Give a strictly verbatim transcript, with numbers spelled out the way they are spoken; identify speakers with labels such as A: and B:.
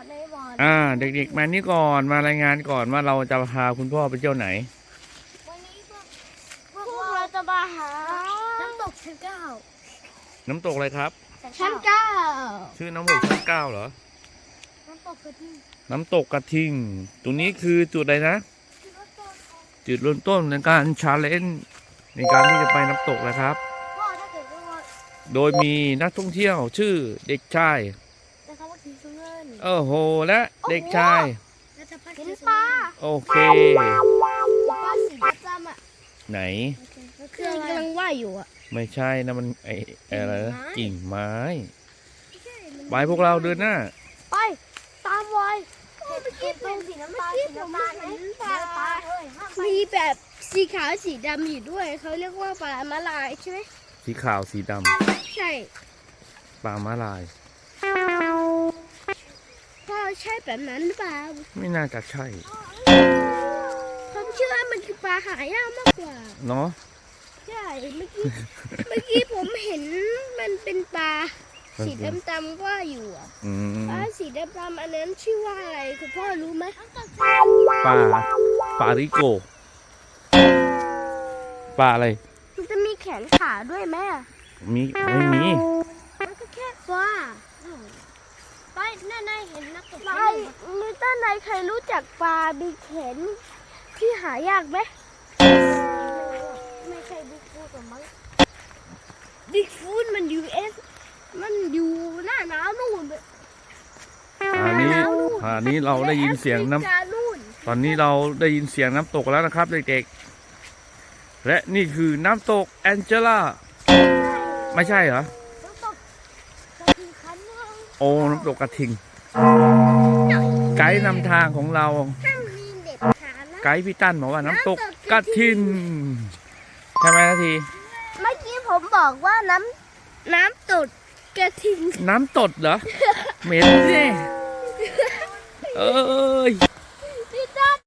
A: ในบอล
B: อ่าเด็กๆมานี่ก่อนมารายงานก่อนว่าเราจะพาคุณพ่อไปเที่ยวไหน
A: วันนี้พวกพวกเราจะมาหาน้ำตกชั้นเก้า
B: น้ำตกอะไรครับ
A: ชั้นเก้า
B: ชื่อน้ำตกชั้นเก้าเหรอ
A: น้ำตกกระทิง
B: น้ำตกกระทิงตรงนี้คือจุดอะไรนะจุดเริ่มต้นในการชาเลนจ์ในการที่จะไปน้ำตกนะครับ
A: พ่อถ้าเกิดว่า
B: โดยมีนักท่องเที่ยวชื่อเด็กชาย
A: แต่เขาว่าสีสุเงิน
B: โอ้โหและเด็กชาย
A: เห็นปลา
B: โอเค
A: ปลาสีดำอ่ะ
B: ไหน
A: คือกำลังว่ายอยู่อ่ะ
B: ไม่ใช่นะมันไออะไรนะกิ่งไม้ไปพวกเราเดินหน้า
A: ไปตามไว้เมื่อกี้เป็นสีน้ำตาลสีน้ำตาลเห็นปลามีแบบสีขาวสีดำอยู่ด้วยเขาเรียกว่าปลามาลายใช่ไหม
B: สีขาวสีด
A: ำใช่
B: ปลาม้าลาย
A: พ่อใช่แบบนั้นหรือเปล่า
B: ไม่น่าจะใช่
A: ผมเชื่อว่ามันคือปลาหายากมากกว่า
B: เนาะ
A: ใช่เมื่อกี้เมื่อกี้ผมเห็นมันเป็นปลาสีดำๆว่าอยู่อ่ะปลาสีดำๆอันนั้นชื่อว่าอะไรคุณพ่อรู้ไหม
B: ปลาปลาริโกปลาอะไร
A: มันจะมีแขนขาด้วยไหม
B: มีไม่มี
A: มันก็แค่ปลาไปนั่นๆเห็นนักตกปลามีต้นไหนใครรู้จักปลาบีแขนที่หายากไหมไม่ใช่บิ๊กฟูดหรอมั้งบิ๊กฟูดมันยูเอสมันอยู่หน้าหนาวนู่น
B: อันนี้อันนี้เราได้ยินเสียงน้ำตอนนี้เราได้ยินเสียงน้ำตกแล้วนะครับเด็กๆและนี่คือน้ำตกแองเจล่าไม่ใช่เหรอโอ้น้ำตกกระทิงไกด์นำทางของเราไกด์พี่ตั้นบอกว่าน้ำตกกระทิงใช่ไหมนาที
A: เมื่อกี้ผมบอกว่าน้ำน้ำตกกระทิง
B: น้ำตดเหรอเหม็นสิเอ้ย